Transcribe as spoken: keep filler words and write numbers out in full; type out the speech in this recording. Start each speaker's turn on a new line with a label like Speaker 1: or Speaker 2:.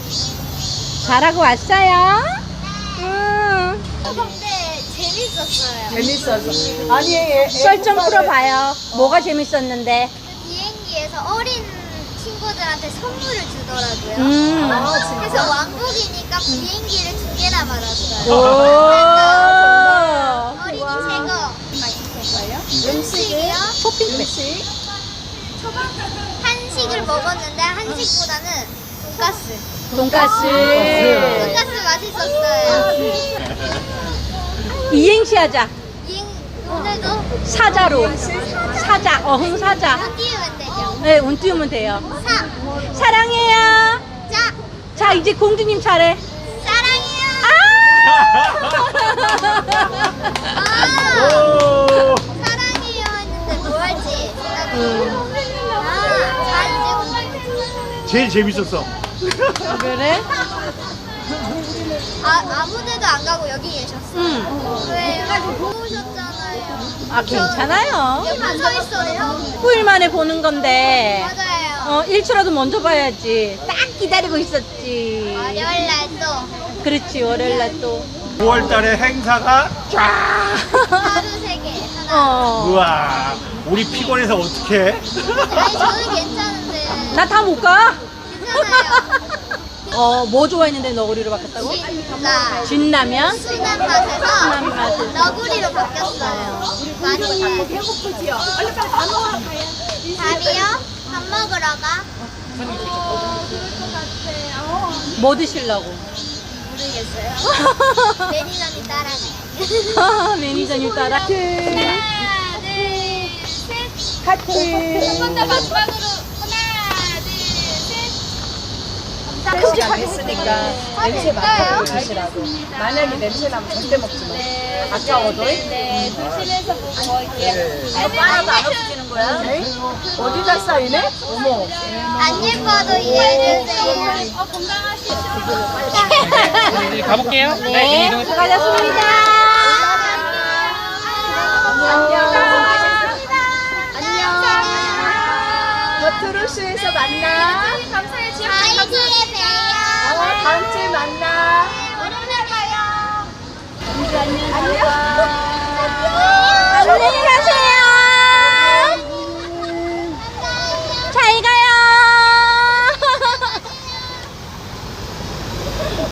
Speaker 1: 잘하고 왔어요? 응.
Speaker 2: 근데 재밌었어요.
Speaker 3: 재밌었어. 아니, 애, 애
Speaker 1: 썰 좀
Speaker 3: 국밥에-
Speaker 1: 풀어봐요. 뭐가 재밌었는데?
Speaker 2: 그 비행기에서 어린 친구들한테 선물을 주더라고요.
Speaker 1: 음.
Speaker 3: 아, 진짜?
Speaker 2: 그래서 왕복이니까 비행기를 두 개나 받았어요.
Speaker 1: 오.
Speaker 2: 어린이 최고.
Speaker 3: 음식이요?
Speaker 1: 쇼핑백.
Speaker 3: 음식?
Speaker 2: 한식을 먹었는데 한식보다는 돈가스.
Speaker 1: 돈가스.
Speaker 2: 돈가스 맛있었어요.
Speaker 1: 이행시 하자.
Speaker 2: 잉 오늘도
Speaker 1: 사자로. 사자. 어흥 사자.
Speaker 2: 못 띄우면 되죠.
Speaker 1: 네, 운 띄우면 돼요.
Speaker 2: 사.
Speaker 1: 사랑해요.
Speaker 2: 자.
Speaker 1: 자, 이제 공주님 차례.
Speaker 2: 사랑해요.
Speaker 1: 아!
Speaker 2: 아. 사랑해요 했는데 뭐 할지 생각해요. 아, 자 이제 공부.
Speaker 4: 제일 재밌었어.
Speaker 1: 그래?
Speaker 2: 아 아무데도 안 가고 여기 계셨어요.
Speaker 1: 응.
Speaker 2: 왜요? 보고 오셨잖아요.
Speaker 1: 아, 괜찮아요.
Speaker 2: 옆에 서 있어요.
Speaker 1: 후일 만에 보는 건데.
Speaker 2: 맞아요.
Speaker 1: 어, 일초라도 먼저 봐야지. 딱 기다리고 있었지.
Speaker 2: 월요일 날도
Speaker 1: 그렇지, 월요일날 또.
Speaker 4: 구월 달에 행사가 쫙.
Speaker 2: 하루 세 개 하나.
Speaker 1: 어.
Speaker 4: 우와. 우리 피곤해서 어떡해?
Speaker 2: 아니 저는 괜찮은데.
Speaker 1: 나 다 못 가?
Speaker 2: 괜찮아요.
Speaker 1: 어, 뭐 좋아했는데 너구리로 바뀌었다고?
Speaker 2: 진짜
Speaker 1: 진라면?
Speaker 2: 순한 맛에서
Speaker 1: 순한 맛에서.
Speaker 2: 너구리로 바뀌었어요. 많이
Speaker 3: 배고프지요? 빨리 빨리 밥 먹으러 가요.
Speaker 2: 밥이요? 밥 먹으러 가?
Speaker 1: 뭐 드시려고?
Speaker 2: 모르겠어요. 매니저님 따라가요.
Speaker 1: 매니저님 따라.
Speaker 2: 하나, 둘, 셋.
Speaker 3: 카트.
Speaker 2: 한 번 더 마지막으로. 하나, 둘, 셋.
Speaker 3: 시간 됐으니까 냄새
Speaker 2: 될까요?
Speaker 3: 맡아보고 드시라고. 만약에 냄새 나면 절대 먹지 마. 아까워도.
Speaker 2: 네, 조심해서 먹을게요.
Speaker 3: 하나도 안 없어지는 거야? 어디다 쌓이네? 어머.
Speaker 2: 안 예뻐도 이해해주세요. 어, 건강하시죠?
Speaker 5: 이제 가볼게요.
Speaker 1: 네, 수고하셨습니다.
Speaker 2: 안녕.
Speaker 3: 버트루스에서 만나.
Speaker 2: 감사해요. 다음 주에 봬요.
Speaker 3: 어, 다음 주에 만나.
Speaker 2: 월요일에 봐요.
Speaker 3: 안녕.